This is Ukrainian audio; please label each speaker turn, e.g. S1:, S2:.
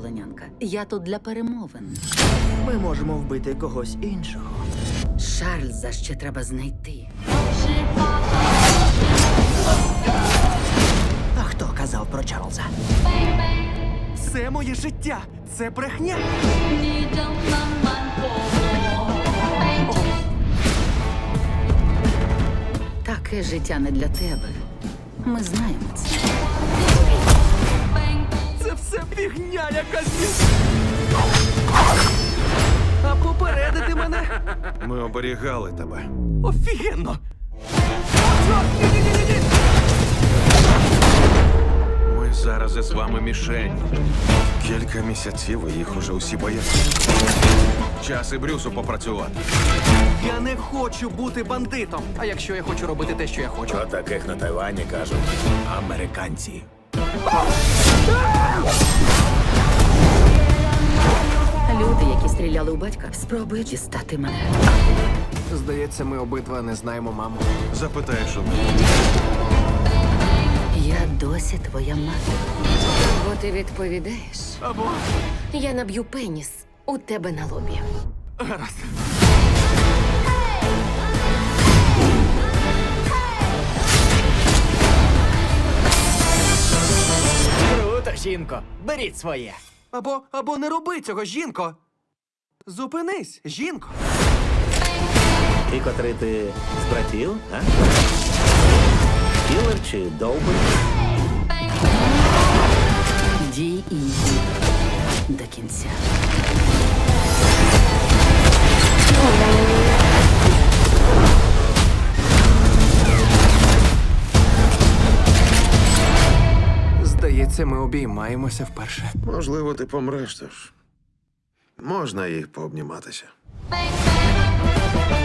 S1: полонянка. Я тут для перемовин.
S2: Ми можемо вбити когось іншого.
S1: Шарльза ще треба знайти.
S2: А хто казав про Чарльза?
S3: Це моє життя! Це брехня!
S1: Таке життя не для тебе. Ми знаємо це.
S3: Це все фігня якась! А попередити мене?
S4: Ми оберігали тебе.
S3: Офігенно! Чорт, ні-ні-ні-ні!
S4: Ми зараз із вами мішень. Кілька місяців і їх уже усі бояться. Час і Брюсу попрацювати.
S3: Я не хочу бути бандитом. А якщо я хочу робити те, що я хочу?
S5: Про таких на Тайвані кажуть американці.
S1: Люди, які стріляли у батька, спробують дістати мене.
S3: Здається, ми обидва не знаємо маму.
S4: Запитаєш у мене.
S1: Я досі твоя мати.
S6: Бо ти відповідаєш.
S3: Або
S6: Я наб'ю пеніс у тебе на лобі.
S3: гаразд.
S2: Круто, жінко. Беріть своє.
S3: Або не роби цього, жінко. Зупинись, жінко.
S5: І котрий ти з братів, а? Кілер чи довбий?
S1: Дій і йди до кінця.
S3: Здається, ми обіймаємося вперше.
S4: Можливо, ти помреш, тож можна їх пообніматися.
S7: Bang, bang.